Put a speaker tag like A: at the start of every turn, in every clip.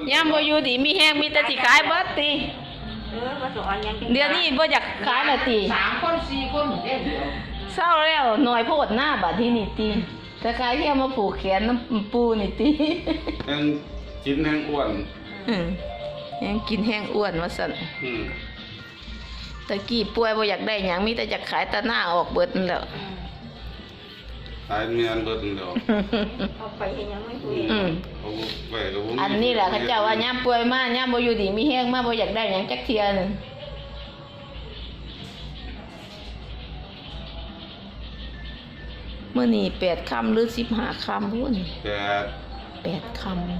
A: ย่ำบ่อยู่ดีมีแห้งมีแต่สิขายเบิดติ
B: มาสอนยัง
A: เดี๋ยวนี้บ่อยากขายละติ
C: 3 คน 4 คนเด้อ
A: เศร้าแล้วหน่อยโพดหน้าบัดที่นี่ติแต่ขายแค่มาผูกแขนน้ำปูนี่ติ
D: แห้งกินแห้งอ้วน
A: แห้งกินแห้งอ้วนว่าซั่นตะกี้ป่วยบ่อยากได้หยังมีแต่อยากขายตะหน้าออกเบิดนั่นแหล้ว
D: ตายเมียนเบิดเดียว
B: เอาไปเห็นยังไม่คุย
A: อันนี้แหละเขาเจ้าว่าย่ำป่วยมากย่ำบ่อยู่ดีมีแห้งมากบ่อยากได้หยังจักเทียนึงเมื่อนี่8 ค่ำหรือ15 ค่ำพุ่น8 ค่ำ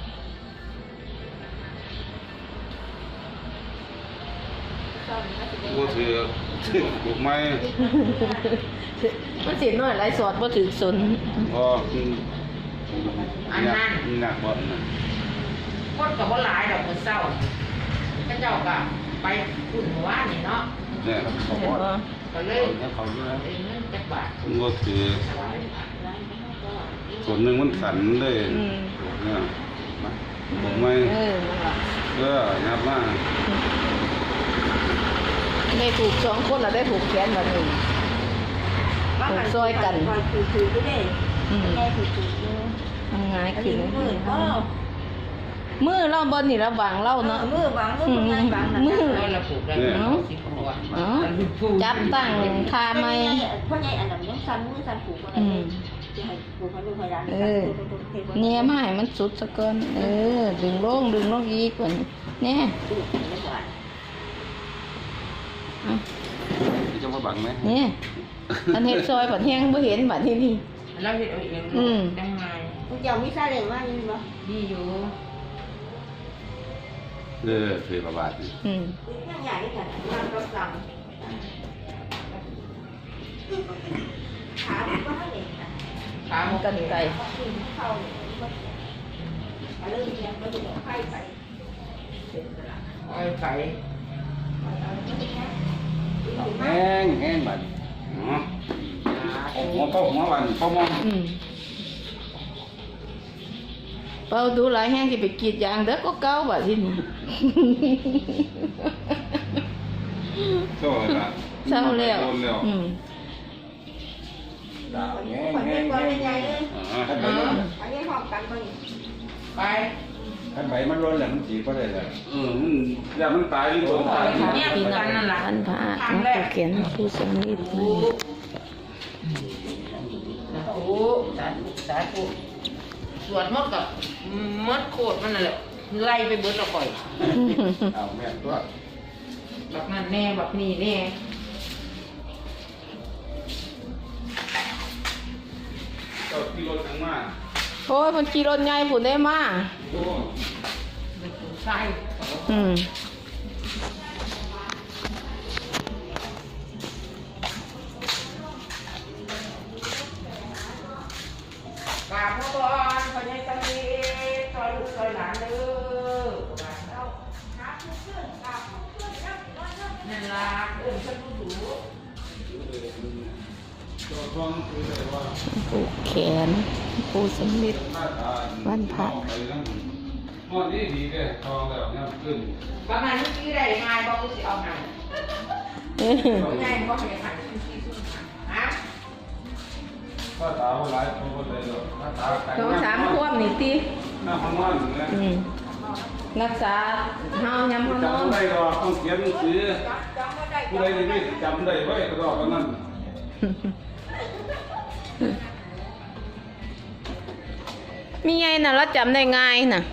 D: บ่ถือถูกไหม
A: มันสิน้อยหลายสอดบ่ถึกสน
D: บ่อันนั้นหนักบ่นะ
C: คนก็บ่หลายดอกมื้อเช้าเขาเจ้าก็ไปอุ่นว่านี่เนาะ
D: เนี่ย
C: ก็เลย
D: เขาอยู่นะ
C: เงินจักบาท
D: บ่ถือส่วนหนึ่งมันขันเลยเนี่ยถูกไหมยับมา
A: ได้ถูก2 คนแล้วได้ถูกแขนแบบนึงถูกซอยกัน
B: ถือก็ได้แม่ถือ
A: ทำงานขึ้นมือเราบนนี่เราบางเล่าเนาะ
B: มือบาง
C: มือเราผูกได้เนาะ
A: จับตั้งคาไม่
B: พ่อใหญ่อันนั้นยังสั่นมือสั่นผูกอะไรจะให้ผูกเขาดูพยาน
A: เนี่ยไม่มันสุดสะเกินดึงลงอีกกว่าเนี่ย
D: จะมาบังไหม
A: เนี่ยอันเห็ดซอยผัดแห้งบ่เห็นบัดที่นี่
C: เราเห็ดเอาเองยังไง
B: คุณเจ้ามีซาเล้งว่านี่บ่
C: ดีอยู่
D: เคยประบาด
B: ยังใหญ่ขนาดนั้นก็สั่งขาก็ให้เอง
C: ขาหม
A: กันไก่
B: เข้าเรื่องยังก็จะไข่ไป
C: ไก่
D: แห้งบัดหัวบันพ่อมอง
A: เป่าดูหลายแห้งที่ไปกีดยางเด็กก็เก้าบัดที่นี่
D: เศร้าแล้ว
A: เศร้าแล้ว
B: แห้งอันนี้หอมกันบ่
C: ไป
D: ขันใบมันร้อนแหละมันจีก็ได้เลยมันอย่ามันตายหรือโดนตาย
A: เนี่ยปีนั้นพันพระนักเขียนผู้สนิท
C: สาธุสวดมดกับมดโคตรมันนั่นแหละไล่ไปเบิดละก่อย
D: เอาแม่ตัว
C: แบบนั้นแน่แบบนี้แน่
D: ก็ขี่รถทั้งมา
A: โอ้ยมันขี่รถใหญ่ผุนได้มา
C: ใช่กราบพระบรมพระยายสมิทซอยลูกซอยหลานเด้อนั่นล่ะฉันรู้สู
A: ผูกแขนผู้สนิทวันพระ
D: ดีเลยทองแล้วเนี่ยขึ้น
C: ประมาณนี้กี่ได้ง่ายบอกกูสิเอาไงง่ายบอกให้ขันที่สุดฮะ
D: ถ้าตาว่าไรเขาก็เลย
A: 2 3 ควบนี่ตี
D: น้ำมันเนี่ย
A: รักษาเฮายำเฮานอน
D: จำได้หรอกต้องเขียนหนังสือผู้ใดนี่จำได้ไว้ก็รอกันนั่น
A: มีไงน่ะเราจำได้ง่ายน่ะ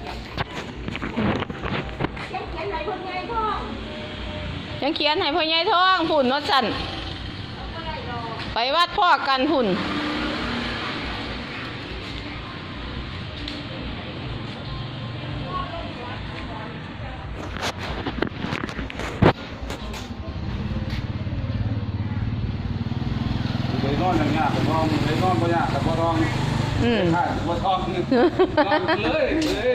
A: ยังเขียนให้พ่อใหญ่ท้องผุ่นรถสั่นไปวัดพ่อกันผุ่น
D: เลยนอนอย่างเงี้ยแต่พอเลยนอนบ่ยากแต่พอร้องใช่บ่ท้องนอนเลย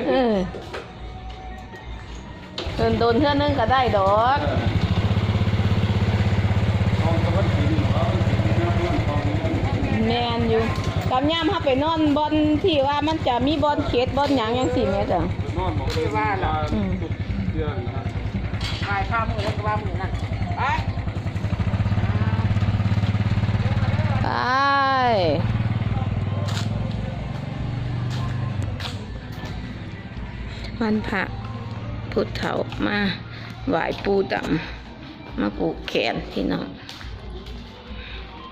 A: โดนเท่านึงก็ได้ดอกแม่นอยู่กำย่ำถ้าไปนอนบอลที่ว่ามันจะมีบอลเขตบอลหยังยังสิแม่จ้ะ
D: นอนหมองว่าตุกเดือนนะ
C: วายข้าวมือแล้วก็ว่ามือนั่นไป
A: ไปวันพระพุทธเถามาไหว้ปูดำมาผูกแขนพี่น้อง